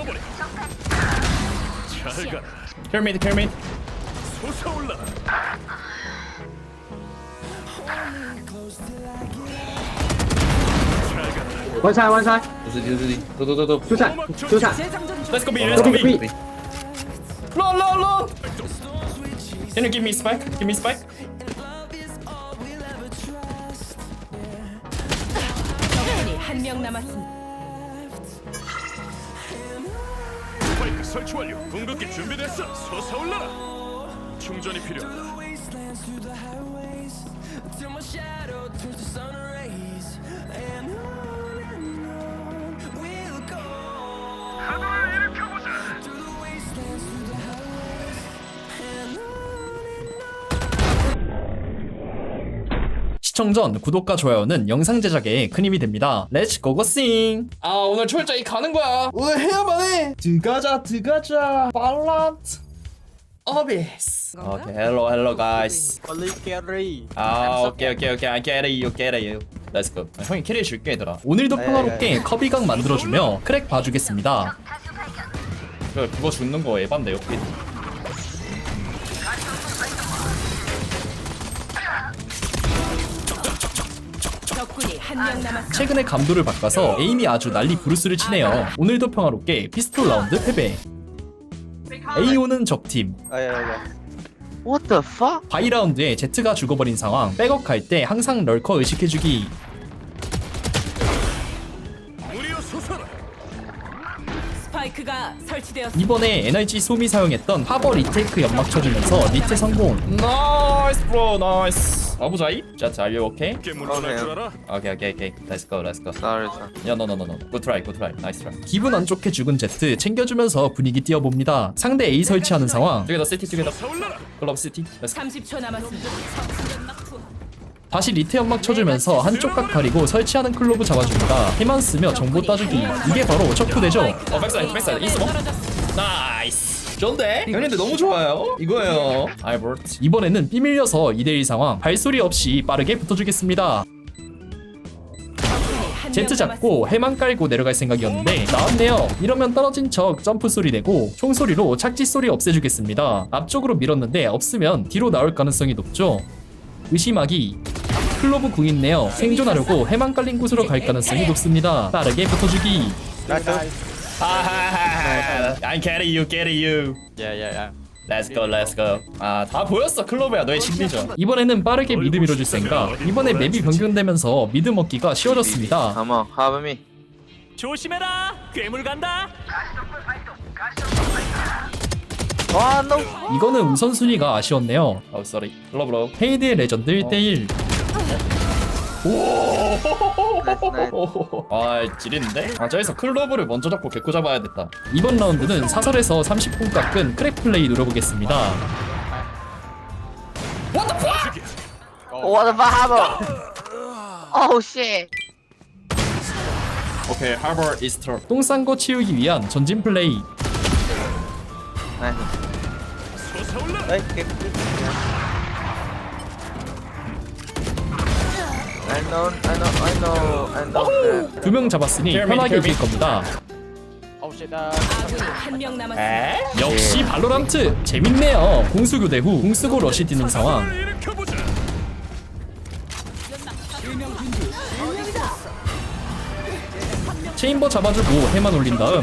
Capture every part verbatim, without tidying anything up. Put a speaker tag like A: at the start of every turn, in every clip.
A: 태워버려. 잘 가라.
B: 캐리메이드 캐리메이드.
A: 솟아올라.
C: 원샷 원샷
B: 도도도도.
C: 조찬 조찬
B: Let's go B. Let's go
C: Let's go
B: B.
C: B.
B: Run, run, run. Can you give me spike? Give me spike.
D: 적군이 한 명 남았습니다.
A: 스파이크 설치 완료. 궁극기 준비됐어. 솟아올라라. 충전이 필요하다. 하늘을 일으켜보자.
B: 시청 전 구독과 좋아요는 영상 제작에 큰 힘이 됩니다. Let's go go sing. 아 오늘 철저히 가는 거야. 오늘 해야만 해. 들어가자 들어가자. 발란트. 어비스. 오케이 hello hello guys.
E: Only carry.
B: 아 오케이 오케이 오케이 I get it you get it. Let's go. 아, 형이 캐리 줄게 얘들아. 오늘도 평화롭게 커비각 만들어주며 크랙 봐주겠습니다. 그 그거 죽는 거 에반데요.
D: 적군이 한 명 남았습니다.
B: 최근에 감도를 바꿔서 에임이 아주 난리 부르스를 치네요. 오늘도 평화롭게 피스톨 라운드 패배. 에이오는 적팀.
E: Oh yeah, yeah. What the fuck?
B: 바이 라운드에 제트가 죽어버린 상황. 백업 갈 때 항상 럴커 의식해주기.
A: 무리여 솟아라.
D: 스파이크가 설치되었습니다.
B: 이번에 에너지 소미 사용했던 하버 리테이크 연막 쳐주면서 리테 성공. 나이스 브로 나이스. 가보자이. 제트 are you okay?
A: 꽤 물러날 줄 알아?
B: 오케이 오케이 오케이. Let's go let's go.
E: Sorry, sir.
B: 야, no, no, no, no. Good try, good try. Nice try. 기분 안 좋게 죽은 제트 챙겨주면서 분위기 띄워봅니다. 상대 A 설치하는 상황. Together, city, together.
A: 솟아올라라.
B: Club city. Let's go.
D: 삼십 초 남았습니다.
B: 다시 리테 연막 쳐주면서 한쪽 각 가리고 설치하는 클로브 잡아줍니다. 힘만 쓰며 정보 따주기. 이게 바로 척후되죠. 어, 백사이드, 백사이드. 있어 뭐? 나이스. 좋은데? 형님들 너무 좋아요. 이거예요. 알버트. 이번에는 삐 밀려서 이 대 일 상황. 발소리 없이 빠르게 붙어주겠습니다. 제트 잡고 해만 깔고 내려갈 생각이었는데 나왔네요. 이러면 떨어진 척 점프 소리 내고 총소리로 착지 소리 없애주겠습니다. 앞쪽으로 밀었는데 없으면 뒤로 나올 가능성이 높죠. 의심하기. 클로브 궁 있네요. 생존하려고 해만 깔린 곳으로 갈 가능성이 높습니다. 빠르게 붙어주기. 하하하하. I carry you, carry you.
E: Yeah, yeah, yeah.
B: Let's go, let's go. 아, 다 보였어, 클로브야. 너의 심리전. 이번에는 빠르게 미드 밀어줄 생각. 이번에 맵이 변경되면서 미드 먹기가 쉬워졌습니다.
E: Come on, have me.
A: 조심해라. 괴물 간다.
E: Oh no.
B: 이거는 우선순위가 아쉬웠네요. 어, 쏘리. 클로브로. 헤이드의 레전드 일 대 일.
E: Nice, nice.
B: 아, 지리는데? 아, 저기서 클로브를 먼저 잡고 개코 잡아야겠다. 이번 라운드는 사설에서 삼십 분 깎은 크랙 플레이 노려보겠습니다.
E: What the fuck? Oh shit.
B: 오케이, 하버 이스터. 똥 싼 거 치우기 위한 전진 플레이.
E: Nice.
A: 솟아올라라.
E: Hey, keep it. I know, I know, I know, I know.
B: 두 명 잡았으니 편하게 이길 겁니다.
D: 아군이 한 명 남았습니다.
B: 에? 역시 발로란트 재밌네요. 공수 교대 후 공수고 러시 뛰는 상황.
A: 하늘을 일으켜보자.
B: 체인버 잡아주고 해만 올린 다음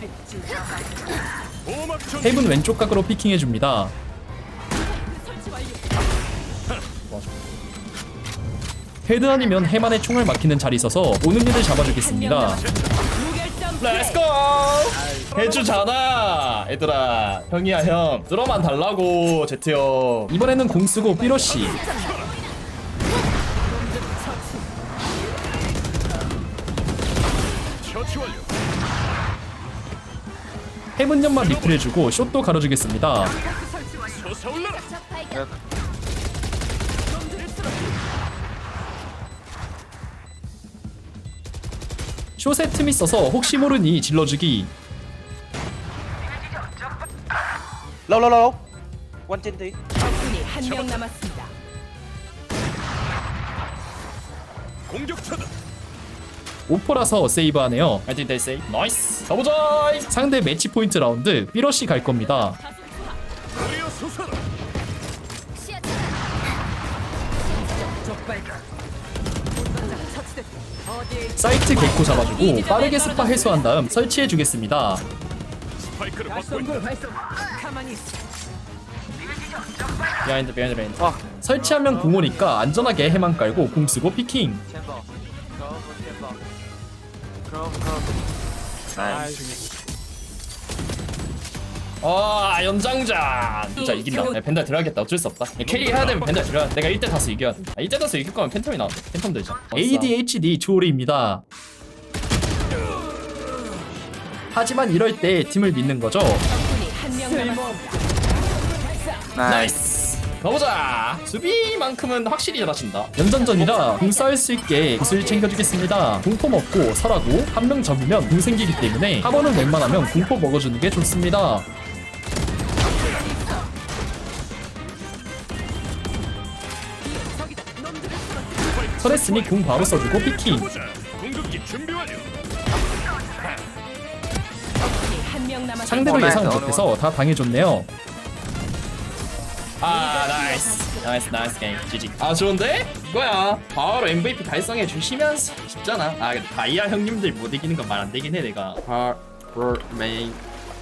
A: 보호막 전.
B: 헤븐 왼쪽 각으로 피킹해줍니다. 헤드 아니면 해만의 총알 막히는 자리 있어서 오는 애들 잡아주겠습니다. 렛츠고! 해주잖아 얘들아. 형이야 형. 들어만 달라고 제트 형. 이번에는 공 쓰고 삐러시.
A: 처치 완료.
B: 해븐 연막 리플해주고 숏도 가려주겠습니다.
A: 솟아올라라.
B: 숏에 틈이 있어서 혹시 모르니 질러주기.
E: Low, low, low. One ten three.
D: 적군이 한 명 남았습니다.
A: 공격차다.
B: 오퍼라서 세이브하네요. I think they say 나이스. 가보자. 상대 매치 포인트 라운드 삐러시 갈 겁니다.
A: 우리여 솟아라.
B: 사이트 개코 잡아주고 빠르게 스파 해소한 다음 설치해 주겠습니다.
A: 스파이크를 막고 있다.
D: 가만히 있어.
B: 비하인드 비하인드 비하인드. 설치하면 궁 오니까 안전하게 해만 깔고 궁 쓰고 피킹. 아 연장전 진짜 이긴다. 야, 펜달 들어야겠다. 어쩔 수 없다. 야, 캐리 해야 되면 펜달 들어야 돼. 내가 일 대 다수 이겨야 돼. 아, 일 대 다수 이길 거면 팬텀이 나와. 팬텀 되죠. 에이디에이치디 조리입니다. 하지만 이럴 때 팀을 믿는 거죠.
D: 적군이 한명 남았습니다.
B: 나이스. 가보자. 수비만큼은 확실히 잘하신다. 연전전이라 궁 쌓을 수 있게 구슬 챙겨주겠습니다. 궁포 먹고 설하고 한 명 잡으면 궁 생기기 때문에 한 번은 웬만하면 궁포 먹어주는 게 좋습니다. 설했으니 궁 바로 써주고 피킹.
A: 가보자. 공격기 준비 완료.
D: 적군이 한명 남았습니다.
B: 상대도 예상 못해서 다 당해줬네요. 아 나이스 나이스 나이스 게임 지지. 아 좋은데? 이거야 바로 엠브이피 달성해 주시면서 쉽잖아. 아 근데 다이아 형님들 못 이기는 건 말 안 되긴 해 내가. 하버 메인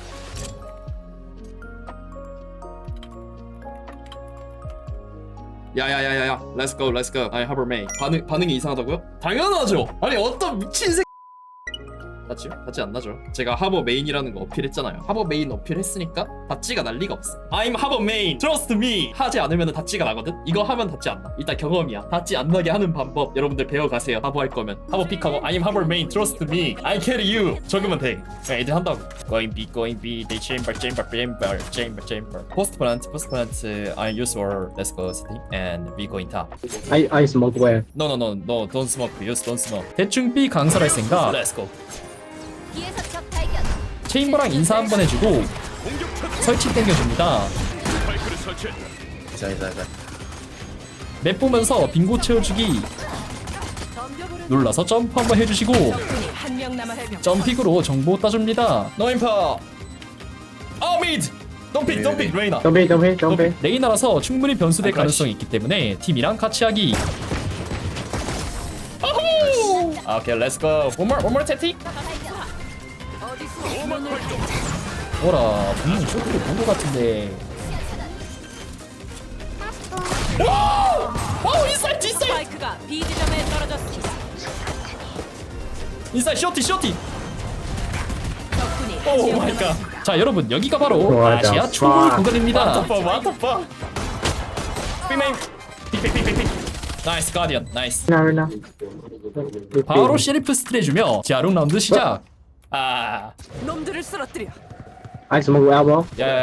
B: 야야야야야 렛츠고 렛츠고. 아니 하버 메인 반응, 반응이 이상하다고요? 당연하죠. 아니 어떤 미친 새 맞죠? 같이 안 나죠. 제가 하버 메인이라는 거 어필했잖아요. 하버 메인 어필했으니까 닷지가 날 리가 없어. I'm 하버 메인. Trust me. 하지 않으면 닷지가 나거든. 이거 하면 닷지 안 나. 일단 경험이야. 닷지 안 나게 하는 방법 여러분들 배워가세요. 하버 할 거면 하버 픽하고 I'm 하버 메인. Trust me. I carry you. 적으면 돼. 그냥 애들 한다고. Going B, going B. They chamber, chamber, chamber, chamber, chamber. Post plant, post plant. I use or let's go city and we going top.
C: I I smoke where?
B: No, no, no, no. Don't smoke. Use don't smoke. 대충 B 강설할 생각. Let's go.
F: 뒤에서 적 발견.
B: 체인버랑 인사 한번 해주고
A: 공격 차단.
B: 설치 땡겨줍니다.
A: 스파이크를 설치했다.
B: 맵 보면서 빙고 채워주기. 눌러서 점프 한번 해주시고
D: 적군이 한명 남았습니다.
B: 점픽으로 정보 따줍니다. 노인파. 어 미드. 덤픽 덤픽 레이나.
C: Don't be, don't be, don't be.
B: 레이나라서 충분히 변수될 가능성이 있기 때문에 팀이랑 같이 하기. 어후. 아, 오케이 렛츠고. One more, one more tactic.
A: 오막 활동.
B: 뭐라 분명 쇼트를 본 것 같은데. 와우! 와우 인사이트 인사이트
D: 스파이크가 B 지점에 떨어졌습니다.
B: 인사이트 쇼티 쇼티.
D: 적군이
B: 오
D: 한명
B: 마이 갓.
D: 남았습니다.
B: 자 여러분 여기가 바로
C: What the
B: 아시아 초보
C: fuck?
B: 구간입니다. 와터파 빅메인 빅빅빅빅빅. 나이스 가디언 나이스.
C: Now, now.
B: 바로 시리프 스틸 해주며 지하롱 라운드 시작. 아
D: 놈들을 쓰러뜨려.
C: I smoke elbow.
B: 야야야.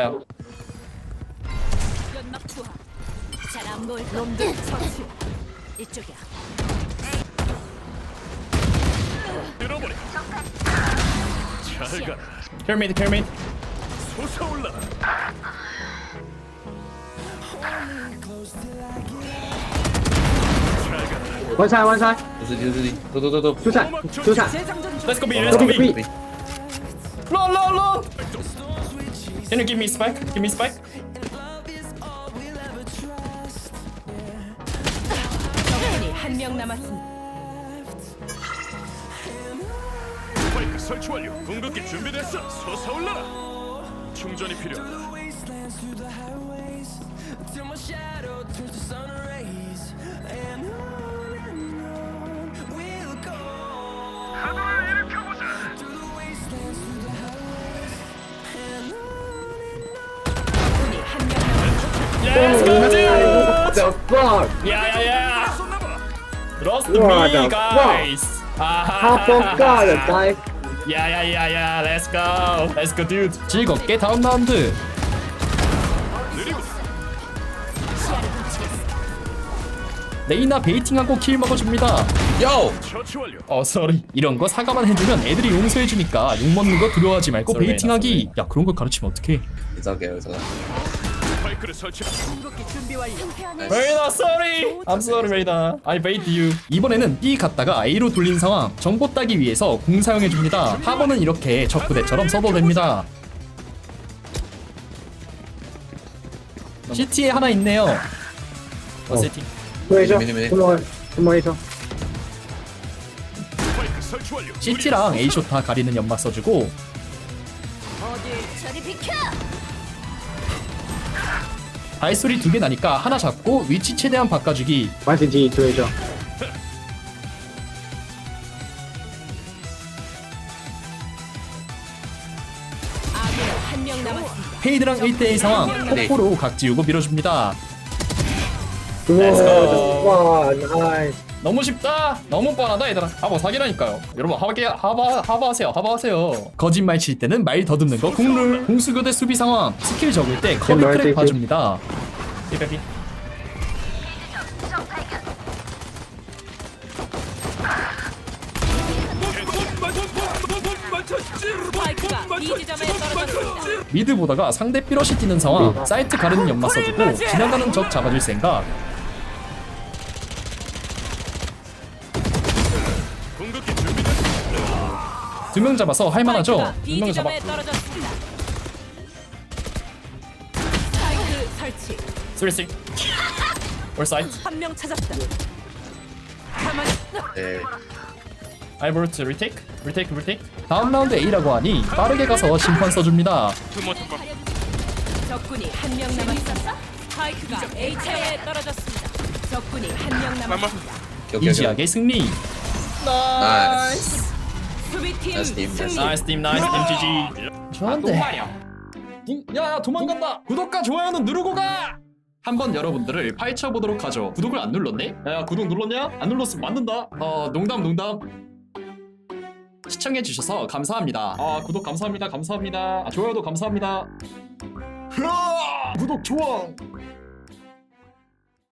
F: 연막 투하. 잘안 보일 거.
D: 놈들 처치.
F: 이쪽이야.
A: 들어버려. 잘 가라.
B: 캐리메이드 캐리메이드.
A: 솟아올라.
C: One side, one side. Two side,
A: 오막
C: two side.
D: 재장전 중.
B: Let's go B let's go
C: Don't
B: B.
C: be.
B: Run run run. Can you give me spike? Give me spike.
D: 적군이 한명 남았습니다.
A: 스파이크 설치 완료. 공격기 준비됐어. 솟아올라라. 충전이 필요하다.
D: 적군이 한명 남았습니다.
B: Let's go
C: What
B: dude.
C: the fuck?
B: 야야야.
A: 쏜나봐.
B: Trust
C: What
B: me
C: the
B: guys.
C: Half of God, guys.
B: 야야야야. Let's go. Let's go dude. 즐겁게 다음 라운드.
A: 느리고.
B: 레이나 베이팅하고 킬 먹어줍니다. 요!
A: 처치 완료.
B: 어, 쏘리. 이런 거 사과만 해주면 애들이 용서해주니까 욕먹는 거 두려워하지 말고
E: Sorry,
B: 베이팅하기. 야, 그런 걸 가르치면 어떡해.
E: It's okay, it's okay.
A: 스파이크를 설치.
D: 궁극기 준비 완료.
B: 레이나 sorry. I'm sorry 레이나. I bait you. 이번에는 B 갔다가 A로 돌린 상황. 정보 따기 위해서 공 사용해 줍니다. 하버는 이렇게 적 부대처럼 써도 됩니다. 시티에 하나 있네요. 어, 세팅.
C: Two A, Two more, two more A.
A: 스파이크 설치 완료.
B: 시티랑 A쇼 다 가리는 연막 써주고
F: 저리 비켜.
B: 발소리 두 개 나니까 하나 잡고 위치 최대한 바꿔주기.
C: One C T, two A.
D: 아군 한 명 남았습니다.
B: 페이드랑 일 대일 상황. 폭포로 각 지우고 밀어줍니다.
C: Wow, nice.
B: 너무 쉽다. 너무 뻔하다 얘들아. 하버 사기라니까요. 여러분 하버 하버 하버 하세요. 하버 하세요. 거짓말 칠 때는 말 더듬는 거 국룰. 공수교대 수비 상황. 스킬 적을 때 커비
C: 말
B: 크랙
C: 때
B: 봐줍니다. 삐빼삐.
D: 스파이크가 B 지점에 떨어졌습니다.
B: 미드 보다가 상대 삐러시 뛰는 상황. 사이트 가르는 연마 써주고 지나가는 적 잡아줄 생각.
A: 궁극기 준비됐어.
B: 두 명 잡아서 할만하죠?
D: 스파이크가
B: 두
D: B
B: 명 잡아.
D: 지점에 떨어졌습니다. 스파이크 설치.
B: 쓰리 쓰리. 올 사이트.
D: 한 명 찾았다. 가만히 있어.
B: 알보르트 리테이크? 리테이크 리테이크? 다음 라운드 A라고 하니 빠르게 가서 심판 써줍니다.
A: 투모토가
D: 적군이 한 명 남았습니다. 스파이크가 A체에 떨어졌습니다. 적군이 한 명 남았습니다.
B: 이지하게 승리.
C: Nice.
D: 수비팀
C: Nice team, nice
D: 승리.
B: 나이스 팀 나이스 팀 지지. 좋은데. 야 도망간다. 구독과 좋아요는 누르고 가. 한번 여러분들을 파헤쳐 보도록 하죠. 구독을 안 눌렀네? 야 구독 눌렀냐? 안 눌렀으면 맞는다. 어 농담 농담. 시청해 주셔서 감사합니다. 아 구독 감사합니다. 감사합니다. 아, 좋아요도 감사합니다. 으아! 구독 좋아.